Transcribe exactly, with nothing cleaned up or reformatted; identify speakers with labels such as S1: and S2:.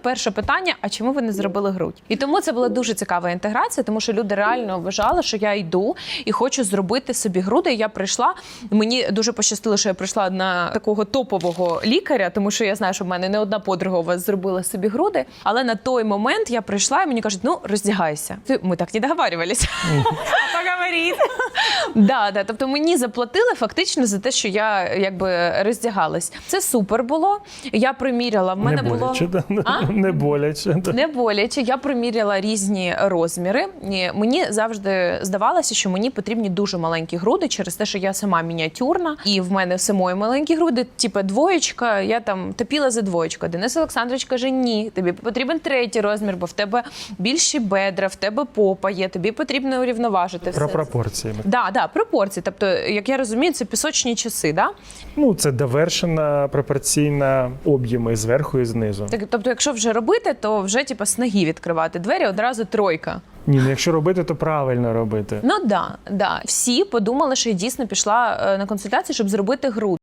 S1: перше питання, а чому ви не зробили грудь? І тому це була дуже цікава інтеграція, тому що люди реально вважали, що я йду і хочу зробити собі груди. І я прийшла, мені дуже пощастило, що я прийшла на такого топового лікаря, тому що я знаю, що в мене не одна подруга у вас зробила собі груди. Але на той момент я прийшла і мені кажуть, ну, роздягайся. Ми так не договарювалися. Поговоріть. Да, да, тобто мені заплатили фактично за те, що я якби роздягалась. Це супер було. Я приміряла, в мене
S2: не
S1: було...
S2: боляче, да?
S1: А?
S2: Не боляче. Да.
S1: Не боляче. Я приміряла різні розміри. І мені завжди здавалося, що мені потрібні дуже маленькі груди через те, що я сама мініатюрна. І в мене самої маленькі груди, типу двоєчка, я там топіла за двоєчку. Денис Олександрович каже, ні, тобі потрібен третій розмір, бо в тебе більші бедра, в тебе попа є, тобі потрібно урівноважити все.
S2: Про пропорції.
S1: Да, да, пропорції. Тобто, як я розумію, це пісочні часи, да?
S2: Ну, це довершена пропорційна об'єми зверху і знизу.
S1: Так, тобто, якщо вже робити, то вже типу, з ноги відкривати двері, одразу тройка.
S2: Ні, ну якщо робити, то правильно робити.
S1: Ну да, да. Всі подумали, що я дійсно пішла на консультацію, щоб зробити груди.